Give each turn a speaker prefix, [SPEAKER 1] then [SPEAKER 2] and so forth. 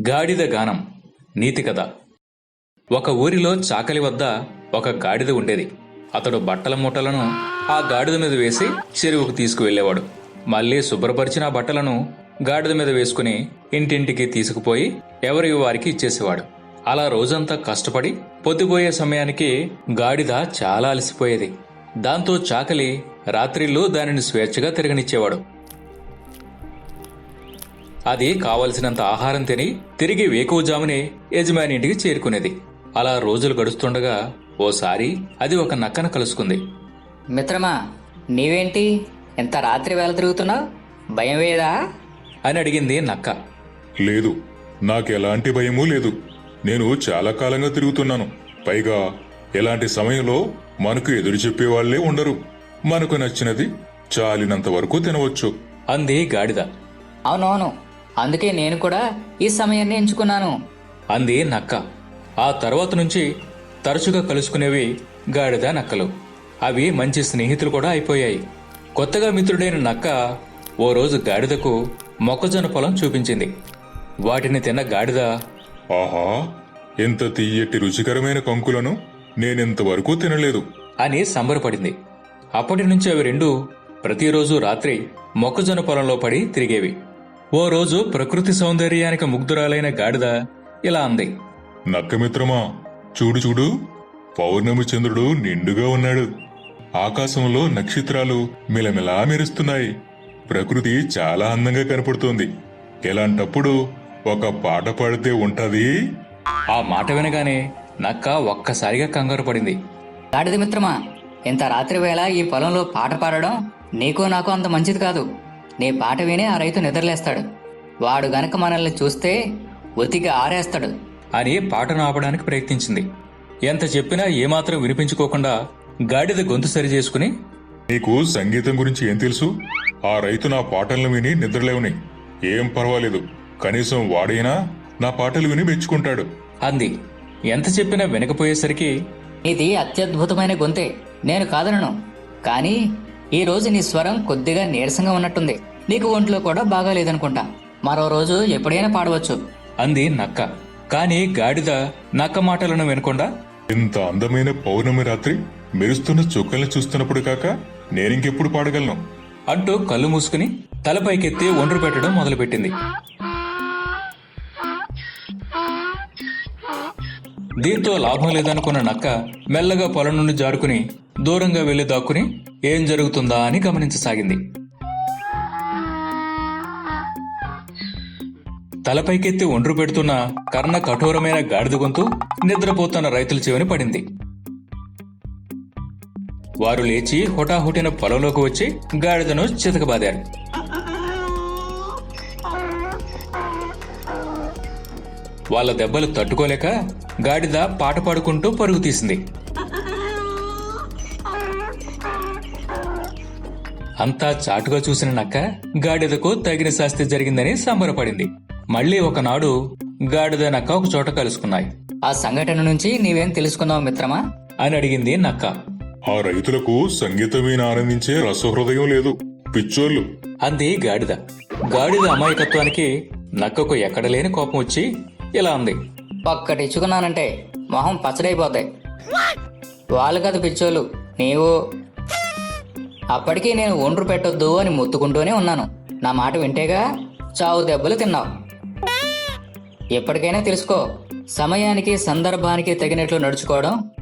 [SPEAKER 1] గాడిద గానం నీతి కథ. ఒక ఊరిలో చాకలి వద్ద ఒక గాడిద ఉండేది. అతడు బట్టల మూటలను ఆ గాడిద మీద వేసి చెరువుకు తీసుకువెళ్లేవాడు. మళ్లీ శుభ్రపరిచిన ఆ బట్టలను గాడిద మీద వేసుకుని ఇంటింటికి తీసుకుపోయి ఎవరి వారికి ఇచ్చేసేవాడు. అలా రోజంతా కష్టపడి పొద్దుపోయే సమయానికి గాడిద చాలా అలసిపోయేది. దాంతో చాకలి రాత్రిళ్ళు దానిని స్వేచ్ఛగా తిరగనిచ్చేవాడు. అది కావలసినంత ఆహారం తిని తిరిగి వేకువజామునే యజమాని ఇంటికి చేరుకునేది. అలా రోజులు గడుస్తుండగా ఓసారి అది ఒక నక్కను కలుసుకుంది.
[SPEAKER 2] మిత్రమా, నీవేంటి ఎంత రాత్రి వేళ తిరుగుతున్నావు? భయం వేదా
[SPEAKER 1] అని అడిగింది నక్క.
[SPEAKER 3] లేదు, నాకెలాంటి భయమూ లేదు. నేను చాలా కాలంగా తిరుగుతున్నాను. పైగా ఎలాంటి సమయంలో మనకు ఎదురు చెప్పేవాళ్లే ఉండరు. మనకు నచ్చినది చాలినంత వరకు తినవచ్చు
[SPEAKER 1] అంది గాడిద.
[SPEAKER 2] అవునవును, అందుకే నేను కూడా ఈ సమయాన్ని ఎంచుకున్నాను
[SPEAKER 1] అంది నక్క. ఆ తర్వాత నుంచి తరచుగా కలుసుకునేవి గాడిద నక్కలు. అవి మంచి స్నేహితులు కూడా అయిపోయాయి. కొత్తగా మిత్రుడైన నక్క ఓ రోజు గాడిదకు మొక్కజొన్న పొలం చూపించింది. వాటిని తిన్న గాడిద,
[SPEAKER 3] ఆహా, ఎంత తీయటి రుచికరమైన కంకులను నేనెంతవరకు తినలేదు
[SPEAKER 1] అని సంబరపడింది. అప్పటి నుంచి అవి రెండూ ప్రతిరోజు రాత్రి మొక్కజొన్న పొలంలో పడి తిరిగేవి. ఓ రోజు ప్రకృతి సౌందర్యానికి ముగ్ధురాలైన గాడిద ఇలా అంది.
[SPEAKER 3] నక్కమిత్రమా, చూడు చూడు, పౌర్ణమి చంద్రుడు నిండుగా ఉన్నాడు. ఆకాశంలో నక్షత్రాలు మిలమిలా మెరుస్తున్నాయి. ప్రకృతి చాలా అందంగా కనపడుతోంది. ఎలాంటప్పుడు ఒక పాట పాడితే ఉంటది.
[SPEAKER 1] ఆ మాట వినగానే నక్క ఒక్కసారిగా కంగారు పడింది.
[SPEAKER 2] గాడిద మిత్రమా, ఇంత రాత్రి వేళ ఈ పొలంలో పాట పాడడం నీకు నాకు అంత మంచిది కాదు. నీ పాట విని ఆ రైతు నిద్రలేస్తాడు. వాడు గనక మనల్ని చూస్తే ఉతికి ఆరేస్తాడు
[SPEAKER 1] అని పాటను ఆపడానికి ప్రయత్నించింది. ఎంత చెప్పినా ఏమాత్రం వినిపించుకోకుండా గాడిద గొంతు సరిచేసుకుని,
[SPEAKER 3] నీకు సంగీతం గురించి ఏం తెలుసు? ఆ రైతు నా పాటలను విని నిద్రలేవని. ఏం పర్వాలేదు, కనీసం వాడైనా నా పాటలు విని మెచ్చుకుంటాడు
[SPEAKER 1] అంది. ఎంత చెప్పినా వినకపోయేసరికి,
[SPEAKER 2] ఇది అత్యద్భుతమైన గొంతే, నేను కాదనను. కానీ ఈ రోజు నీ స్వరం కొద్దిగా నీరసంగా ఉన్నట్టుంది. నీకు ఒంట్లో కూడా బాగాలేదనుకుంటా. మరో రోజు ఎప్పుడైనా పాడవచ్చు
[SPEAKER 1] అంది నక్క. కాని గాడిద నక్క మాటలను వినకుండా,
[SPEAKER 3] ఇంత అందమైన పౌర్ణమి రాత్రి మెరుస్తున్న చుక్కల్ని చూస్తున్నప్పుడు కాక నేనింకెప్పుడు పాడగలను
[SPEAKER 1] అంటూ కళ్ళు మూసుకుని తలపైకెత్తి ఒండ్రు పెట్టడం మొదలుపెట్టింది. దీంతో లాభం లేదనుకున్న నక్క మెల్లగా పొలం నుండి జారుకుని దూరంగా వెళ్లి దాక్కుని ఏం జరుగుతుందా అని గమనించసాగింది. తలపైకెత్తి ఒండ్రు పెడుతున్న కర్ణ కఠోరమైన గాడిద గొంతు నిద్రపోతున్న రైతుల చెవిని పడింది. వారు లేచి హుటాహుటిన పొలంలోకి వచ్చి గాడిదను చితకబాదారు. వాళ్ళ దెబ్బలు తట్టుకోలేక గాడిద పాట పాడుకుంటూ పరుగు తీసింది. అంతా చాటుగా చూసిన నక్క గాడిదకు తగిన శాస్తి జరిగిందని సంబరపడింది. మళ్లీ ఒకనాడు గాడిద నక్క ఒక చోట కలుసుకున్నాయి.
[SPEAKER 2] ఆ సంఘటన నుంచి నీవేం తెలుసుకున్నావు మిత్రమా
[SPEAKER 1] అని అడిగింది నక్క.
[SPEAKER 3] ఆ రైతులకు సంగీతం విని ఆనందించే రసహృదయం లేదు, పిచ్చోళ్ళు
[SPEAKER 1] అంది గాడిద. గాడిద అమాయకత్వానికి నక్కకు ఎక్కడలేని కోపం వచ్చి ఇలా అంది.
[SPEAKER 2] ఒక్కటి ఇచ్చుకున్నానంటే మొహం పచ్చడైపోతాయి. వాళ్ళు కదా పిచ్చోళ్ళు, నీవు. అప్పటికీ నేను ఒండ్రు పెట్టొద్దు అని మొత్తుకుంటూనే ఉన్నాను. నా మాట వింటేగా చావు దెబ్బలు తిన్నావు. ఎప్పటికైనా తెలుసుకో, సమయానికి సందర్భానికి తగినట్లు నడుచుకోవడం